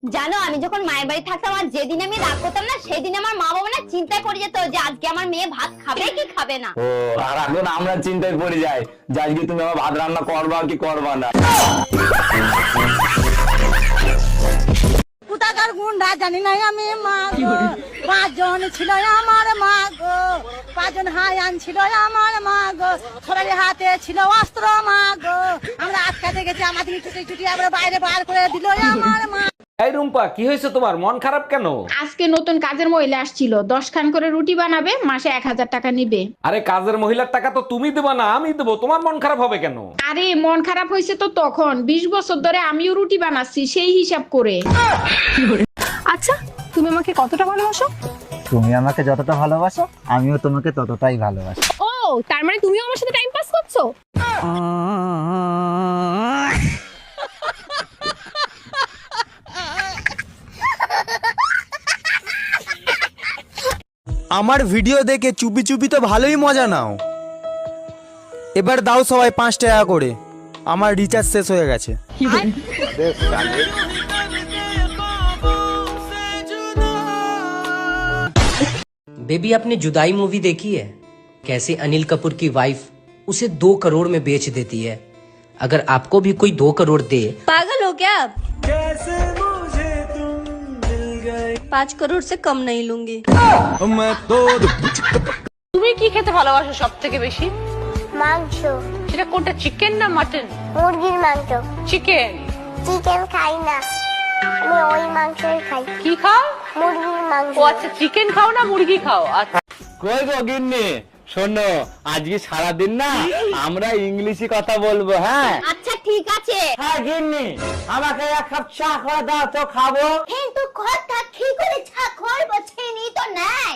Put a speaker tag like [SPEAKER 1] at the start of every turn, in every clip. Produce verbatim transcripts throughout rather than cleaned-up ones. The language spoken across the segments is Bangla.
[SPEAKER 1] জানো আমি যখন মায়ের বাড়ি থাকতাম আর যেদিন আমি রাগ করতাম না সেদিন আমার মা বাবা না চিন্তায় পড়ে যেত যে আজকে আমার মেয়ে ভাত খাবে কি খাবে না।
[SPEAKER 2] ও আর এখন আমরা চিন্তায় পড়ে যাই যে আজকে তুমি আমার ভাত রান্না করবা কি করবা না।
[SPEAKER 3] কোথাকার গুন্ডা জানি না আমি মা গো, পাঁচজন ছিল আমার মা গো, পাঁচজন হায়ান ছিল আমার মা গো, সবারই হাতে ছিল অস্ত্র মা গো, আমরা আটকাতে গেছি আমাদের ছুটি ছুটি আমরা বাইরে বার করে দিল আমার মা।
[SPEAKER 4] এই রুম্পা, কি হয়েছে তোমার? মন খারাপ কেন?
[SPEAKER 5] আজকে নতুন কাজের মহিলা আসছিল, দশ খান করে রুটি বানাবে, মাসে এক হাজার টাকা নিবে।
[SPEAKER 4] আরে কাজের মহিলার টাকা তো তুমি দেবা না, আমি দেবো। তোমার মন খারাপ হবে কেন?
[SPEAKER 5] আরে মন খারাপ হয়েছে তো তখন, বিশ বছর ধরে আমিও রুটি বানাচ্ছি সেই হিসাব করে।
[SPEAKER 6] আচ্ছা, তুমি আমাকে কতটা ভালোবাসো?
[SPEAKER 7] তুমি আমাকে যতটা ভালোবাসো আমিও তোমাকে ততটাই ভালোবাসি।
[SPEAKER 6] ও, তার মানে তুমিও আমার সাথে টাইম পাস করছো?
[SPEAKER 8] আমার ভিডিও দেখে চুপি চুপি তো ভালোই মজা নাও। এবার দাও সবাই পাঁচ টাকা করে, আমার রিচার্জ শেষ হয়ে গেছে।
[SPEAKER 9] बेबी आपने जुदाई मूवी देखी है? कैसे अनिल कपूर की वाइफ उसे दो करोड़ में बेच देती है। अगर आपको भी कोई दो करोड़ दे।
[SPEAKER 10] पागल हो क्या आप? पाँच करोड़ से कम नहीं लूंगी।
[SPEAKER 3] তুমি কি খেতে ভালোবাসো সব থেকে বেশি?
[SPEAKER 1] মাংস।
[SPEAKER 3] সেটা কোনটা, চিকেন না মাটন?
[SPEAKER 1] মুরগির মাংস।
[SPEAKER 3] চিকেন।
[SPEAKER 1] চিকেন খাই না, আমি ওই মাংসই খাই।
[SPEAKER 3] কি খাও?
[SPEAKER 1] মুরগির মাংস।
[SPEAKER 3] ও আচ্ছা, চিকেন খাও না মুরগি খাও? আচ্ছা।
[SPEAKER 2] কই গো গিন্নি, শোনো আজকে সারাদিন না আমরা ইংলিশে কথা বলবো। হ্যাঁ
[SPEAKER 1] আচ্ছা ঠিক আছে।
[SPEAKER 2] হ্যাঁ গিন্নি, আমাকে এক কাপ চা করে দাও তো খাবো।
[SPEAKER 1] কিন্তু কথা কি করে চা করবো, চিনি তো নাই।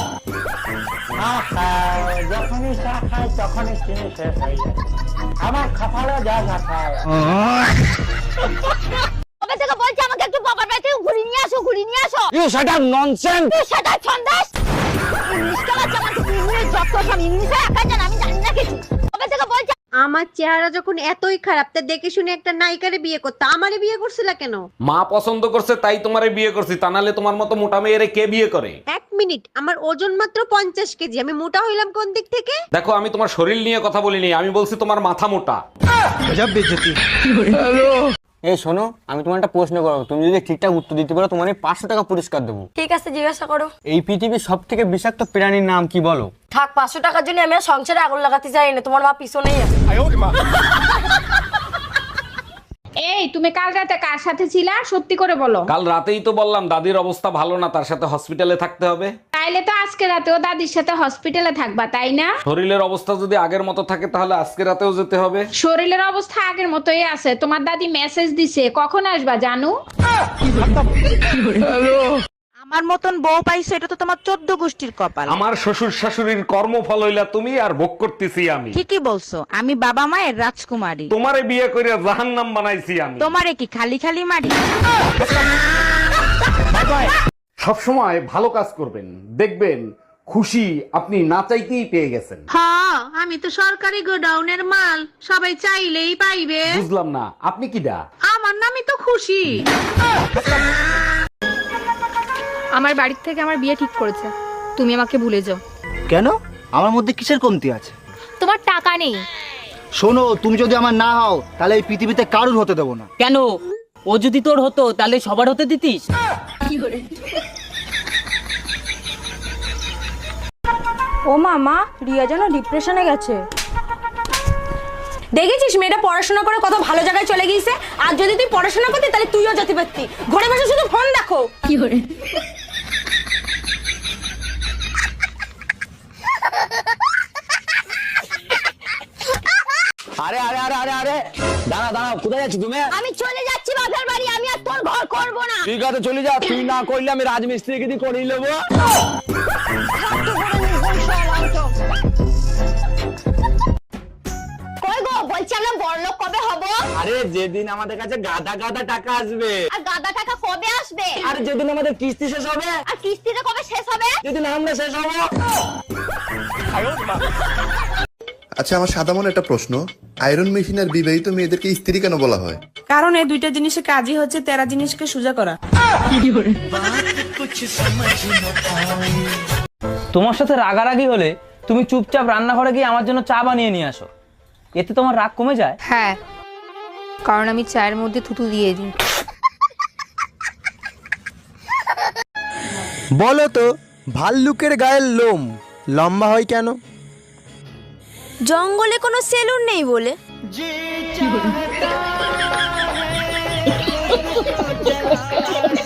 [SPEAKER 2] আহা, যখনই চা খাই তখনই চিনি শেষ হয়ে যায়। আমার কপালে যা যা খায়।
[SPEAKER 1] কবে থেকে বলছি আমাকে একটু বাবার বাড়ি থেকে ঘুরিয়ে নিয়ে আসো, ঘুরিয়ে নিয়ে আসো।
[SPEAKER 2] You shut up nonsense.
[SPEAKER 1] তুই সেটা ছন্দাস। ইংলিশ কেলা জানা, ইংলিশ যত সব ইংলিশে একা জান, আমি জানি না কিছু। কবে থেকে বলছি
[SPEAKER 10] আমার চেহারা যখন এতই খারাপ, তা দেখে শুনে একটা নায়িকারে বিয়ে করতে আমারে বিয়ে করছিল কেন?
[SPEAKER 4] মা পছন্দ করছে তাই তোমারে বিয়ে করছি, তা নাহলে তোমার মতো মোটা মেয়েরে কে বিয়ে করে?
[SPEAKER 10] এক মিনিট, আমার ওজন মাত্র পঞ্চাশ কেজি, আমি মোটা হইলাম কোন দিক থেকে?
[SPEAKER 4] দেখো, আমি তোমার শরীর নিয়ে কথা বলিনি, আমি বলছি তোমার মাথা মোটা।
[SPEAKER 2] এই শোনো, আমি তোমার একটা প্রশ্ন করবো, তুমি যদি ঠিকঠাক উত্তর দিতে পারো তোমার পাঁচশো টাকা পুরস্কার দেবো।
[SPEAKER 10] ঠিক আছে, জিজ্ঞাসা করো।
[SPEAKER 2] এই পৃথিবীর সব থেকে বিষাক্ত প্রাণীর নাম কি বলো?
[SPEAKER 10] থাক, পাঁচশো টাকার জন্য আমি আর সংসারে আগুন লাগাতে চাই না, তোমার মা পিছনেই আছে।
[SPEAKER 5] এই তুমি কাল রাতে কার সাথে ছিলা, সত্যি করে বলো।
[SPEAKER 4] কাল রাতেই তো বললাম দাদির অবস্থা ভালো না, তার সাথে হসপিটালে থাকতে হবে।
[SPEAKER 5] তাইলে তো আজকে রাতেও দাদির সাথে হসপিটালে থাকবা, তাই না?
[SPEAKER 4] শরীরের অবস্থা যদি আগের মতো থাকে তাহলে আজকে রাতেও যেতে হবে।
[SPEAKER 5] শরীরের অবস্থা আগের মতোই আছে, তোমার দাদি মেসেজ দিছে কখন আসবা জানু।
[SPEAKER 3] আমার মতন বউ পাইছো, এটা তো তোমার চোদ্দ গোষ্ঠীর কপাল।
[SPEAKER 4] আমার শ্বশুর শাশুড়ির কর্মফল হইলা তুমি, আর ভোগ করতেছি আমি।
[SPEAKER 3] ঠিকই বলছো, আমি বাবা মায়ের রাজকুমারী।
[SPEAKER 4] তোমারে বিয়ে করে জাহান্নাম বানাইছি আমি।
[SPEAKER 3] তোমারে কি খালি খালি মারি?
[SPEAKER 4] সব সময় ভালো কাজ করবেন, দেখবেন খুশি আপনি না চাইতেই পেয়ে গেছেন।
[SPEAKER 10] হ্যাঁ, আমি তো সরকারি গোডাউনের মাল, সবাই চাইলেই পাইবে।
[SPEAKER 4] বুঝলাম না, আপনি কি দা?
[SPEAKER 10] আমার নামই তো খুশি।
[SPEAKER 6] আমার বাড়ির থেকে আমার বিয়ে ঠিক করেছে, তুমি আমাকে ভুলে যাও।
[SPEAKER 7] কেন? আমার মধ্যে কিসের কমতি আছে?
[SPEAKER 6] তোমার টাকা নেই।
[SPEAKER 7] শোনো, তুমি যদি আমার না হও তাহলে এই পৃথিবীতে কারুর হতে দেবো না।
[SPEAKER 9] কেন? ও যদি তোর হতো তাহলে সবার হতে দিতিস?
[SPEAKER 6] ও মামা, রিয়া যেন ডিপ্রেশনে গেছে।
[SPEAKER 10] দেখেছিস মেয়েটা পড়াশোনা করে কত ভালো জায়গায় চলে গিয়েছে, আর যদি তুই পড়াশোনা করতি তাহলে তুইও যেতে পারতি। ঘরে বসে শুধু ফোন দেখো। কি করে?
[SPEAKER 2] আরে আরে আরে আরে আরে দাঁড়া দাঁড়া, কোথায় যাচ্ছি তুমি?
[SPEAKER 1] আমি চলে যাচ্ছি বাপের বাড়ি, আমি আর তোর ঘর করব না।
[SPEAKER 2] ঠিক আছে চলে যা, তুই না করলে আমি রাজমিস্ত্রিকে দিয়ে করিয়ে নেবো।
[SPEAKER 1] কই গো, বলছি আমরা বড়লোক কবে হব?
[SPEAKER 2] আরে যেদিন আমাদের কাছে গাদা গাদা টাকা আসবে।
[SPEAKER 1] আর গাদা টাকা কবে আসবে?
[SPEAKER 2] আর যেদিন আমাদের কিস্তি শেষ হবে।
[SPEAKER 1] আর কিস্তিটা কবে শেষ হবে?
[SPEAKER 2] যেদিন আমরা শেষ হবো।
[SPEAKER 11] আচ্ছা, আমার সাদা মনে একটা প্রশ্ন, আয়রন মেশিন আর বিবাহিত মেয়েদেরকে স্ত্রী কেন বলা হয়?
[SPEAKER 10] কারণ এই দুইটা জিনিসের কাজই হচ্ছে তেরা জিনিসকে সোজা করা।
[SPEAKER 2] তোমার সাথে রাগারাগি হলে তুমি চুপচাপ রান্নাঘরে গিয়ে আমার জন্য চা বানিয়ে নিয়ে আসো, এতে তোমার রাগ কমে যায়।
[SPEAKER 6] হ্যাঁ, কারণ আমি চায়ের মধ্যে থুতু দিয়ে দিই।
[SPEAKER 8] বলো তো, ভাল্লুকের গায়ের লোম লম্বা হয় কেন?
[SPEAKER 10] জঙ্গলে কোনো সেলুন নেই বলে।
[SPEAKER 3] কি